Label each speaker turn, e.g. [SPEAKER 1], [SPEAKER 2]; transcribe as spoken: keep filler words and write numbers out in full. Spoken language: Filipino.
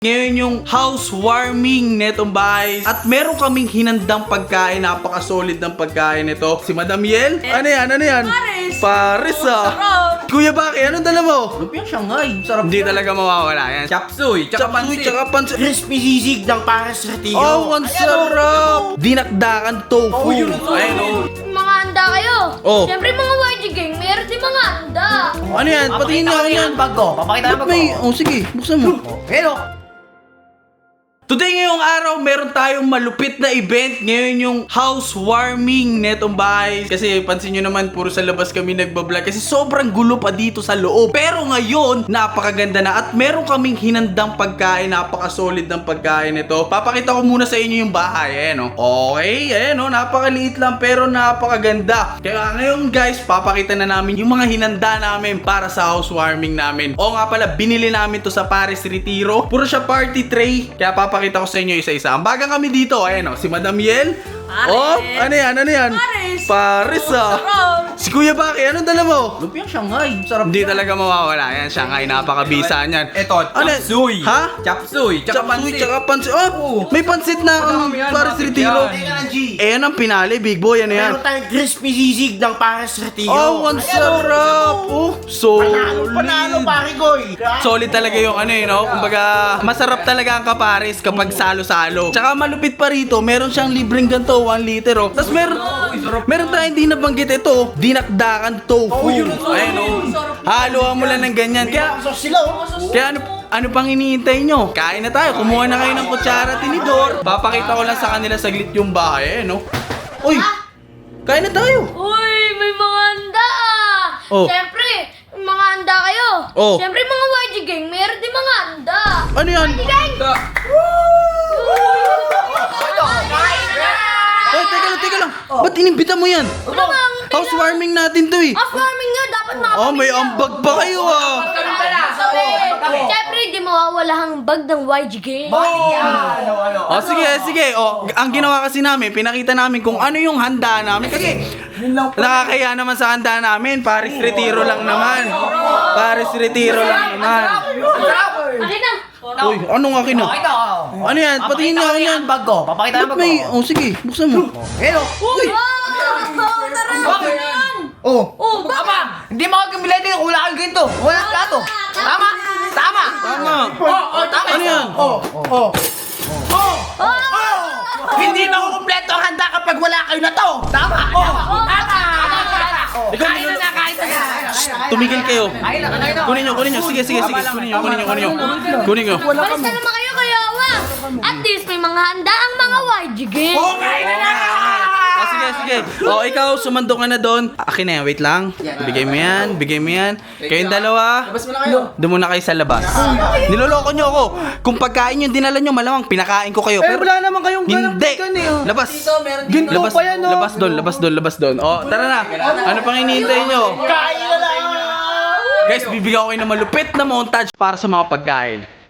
[SPEAKER 1] Ngayon yung housewarming netong bahay. At meron kaming hinandang pagkain. Napaka-solid ng pagkain nito. Si Madam Yel. Ano yan? Ano yan?
[SPEAKER 2] Pares.
[SPEAKER 1] Pares ah.
[SPEAKER 2] Sarap.
[SPEAKER 1] Kuya Baki, anong dala mo?
[SPEAKER 3] Lumpiang Shanghai. Sarap.
[SPEAKER 1] Hindi talaga mawawala yan.
[SPEAKER 3] Chapsuy. Tsaka
[SPEAKER 1] Chapsuy,
[SPEAKER 3] pansit.
[SPEAKER 1] tsaka pansit.
[SPEAKER 4] Crispy sisig ng Pares Retiro.
[SPEAKER 1] Oh, ang sarap! Dinakdakan tofu.
[SPEAKER 3] Oh, yun ang
[SPEAKER 1] Ayun oh.
[SPEAKER 2] Mga handa kayo.
[SPEAKER 1] Oh.
[SPEAKER 2] Siyempre mga Y G gang, meron din mga handa.
[SPEAKER 1] Ano yan? Patingin nga ako yan.
[SPEAKER 4] Ang bag ko. Papakita
[SPEAKER 1] Ba't
[SPEAKER 4] ng bag
[SPEAKER 1] may...
[SPEAKER 4] ko.
[SPEAKER 1] Oh, sige. Buksan mo.
[SPEAKER 4] Pero,
[SPEAKER 1] Today ngayong araw, meron tayong malupit na event. Ngayon yung housewarming netong bahay. Kasi pansin nyo naman, puro sa labas kami nagbablog. Kasi sobrang gulo pa dito sa loob. Pero ngayon, napakaganda na. At meron kaming hinandang pagkain. Napaka-solid ng pagkain nito. Papakita ko muna sa inyo yung bahay. Ayan o. Okay, ayan o. Napakaliit lang pero napakaganda. Kaya ngayon guys, papakita na namin yung mga hinanda namin para sa housewarming namin. O nga pala, binili namin to sa Pares Retiro. Puro siya party tray. Kaya papakita Pakita ko sa inyo isa-isa. Ang bagang kami dito, ayan o, si Madam Yel.
[SPEAKER 2] Pares.
[SPEAKER 1] Oh, ano yan, ano yan?
[SPEAKER 2] Pares.
[SPEAKER 1] Pares ah.
[SPEAKER 2] Sarap.
[SPEAKER 1] Si Kuya Baki, anong dala mo?
[SPEAKER 3] Lumpiang Shanghai. Sarap.
[SPEAKER 1] Hindi talaga mawawala yan. Shanghai, napakabisa niyan.
[SPEAKER 3] Ito,
[SPEAKER 1] Ano?
[SPEAKER 3] chapsuy.
[SPEAKER 1] Ha?
[SPEAKER 3] Chapsuy. Tsaka
[SPEAKER 1] Chapsuy,
[SPEAKER 3] pansit.
[SPEAKER 1] tsaka pansit. Oh, may pansit na ang
[SPEAKER 3] Marami yan,
[SPEAKER 1] Pares
[SPEAKER 3] bakit
[SPEAKER 1] Retiro.
[SPEAKER 3] yan?
[SPEAKER 4] teka lang, G.
[SPEAKER 1] Eh, yan ang pinali, big boy, ano yan?
[SPEAKER 4] Meron tayong crispy sisig ng Pares Retiro.
[SPEAKER 1] Oh, ang sarap. Oh,
[SPEAKER 4] Panalo, panalo,
[SPEAKER 1] solid.
[SPEAKER 4] pare koy.
[SPEAKER 1] Solid talaga yung ano eh, no? Kumbaga, masarap talaga ang kapares kapag salo-salo. Tsaka malupit pa rito, meron siyang libreng ganito, one liter oh. Tapos meron, meron tayong di nabanggit ito, dinakdakan tofu. Ayun oh. Haluan mo lang ng ganyan. Kaya,
[SPEAKER 4] So sila, oh.
[SPEAKER 1] kaya ano, ano pang iniintay nyo? Kain na tayo, kumuha na kayo ng kutsara, tinidor. Papakita ko lang sa kanila saglit yung bahay, eh, no? Uy, kain na tayo.
[SPEAKER 2] Uy, may mga handa.
[SPEAKER 1] Oh.
[SPEAKER 2] Siyempre, mga handa kayo.
[SPEAKER 1] Oh.
[SPEAKER 2] Siyempre mga Y G gang, meron din mga handa.
[SPEAKER 1] Ano yan?
[SPEAKER 2] Y G gang.
[SPEAKER 1] Oh, teka lang, teka lang. Ba't inimbita mo yan?
[SPEAKER 2] Ano bang?
[SPEAKER 1] Housewarming natin to eh.
[SPEAKER 2] Off-warming nga, dapat mga
[SPEAKER 1] Oh, may ambag pa kayo ah.
[SPEAKER 2] Siyempre, di mawawala ang bag ng Y G gang.
[SPEAKER 1] Oh, sige, sige. Oh, ang ginawa kasi namin, pinakita namin kung ano yung handa namin. Kasi nakakaya naman sa handa namin. Pares Retiro lang naman. Pares Retiro lang naman.
[SPEAKER 2] Akin na.
[SPEAKER 1] Uy, anong akin na?
[SPEAKER 4] Ito,
[SPEAKER 1] Ano yan? Patingin nga ako yan.
[SPEAKER 4] ang bag ko. Papakita ng
[SPEAKER 1] Ba't
[SPEAKER 4] bag ko.
[SPEAKER 1] may... Oh, sige. Buksan mo.
[SPEAKER 4] Pero,
[SPEAKER 2] Uy! Oh, tara! Bakit yan?
[SPEAKER 4] oh.
[SPEAKER 2] Oh, bakit?
[SPEAKER 4] Hindi mo ako kamila din. Wala kang ganito. Wala kang plato. Tama? Tama.
[SPEAKER 1] Tama.
[SPEAKER 4] Oh, oh, tama.
[SPEAKER 1] Ano yan?
[SPEAKER 4] Oh, oh. Oh. Oh. Hindi na ako kumpleto ang handa kapag wala kayo na to. Tama. Oh. Tama.
[SPEAKER 1] Ikaw,
[SPEAKER 4] Kain na na, kain na na.
[SPEAKER 1] Tumigil kayo.
[SPEAKER 4] Kain na, kain na.
[SPEAKER 1] Kunin nyo, kunin nyo. Sige, sige, sige. Kunin nyo, kunin nyo, kunin nyo. Kunin nyo.
[SPEAKER 2] Balis na naman kayo kaya wa. At least may mga handa ang mga Y G gang.
[SPEAKER 4] Oh, kain na na.
[SPEAKER 1] Ah, sige, sige. O, ikaw, sumando ka na doon. Akin na yan, wait lang. Bigay mo yan, bigay mo yan. Kayong dalawa,
[SPEAKER 3] Labas mo na kayo.
[SPEAKER 1] doon muna kayo sa labas. Niloloko nyo ako. Kung pagkain yung dinala nyo, malamang pinakain ko kayo.
[SPEAKER 3] Eh, wala naman kayong ganap
[SPEAKER 1] Hindi.
[SPEAKER 3] chicken eh, oh.
[SPEAKER 1] Labas.
[SPEAKER 3] Dito, meron dito.
[SPEAKER 1] Labas,
[SPEAKER 3] pa yan, oh.
[SPEAKER 1] labas doon, labas doon, labas doon. O, tara na. Ano pang hinihintay nyo?
[SPEAKER 4] Kain na na.
[SPEAKER 1] Guys, bibigyan ko kayo ng malupit na montage para sa mga pagkain.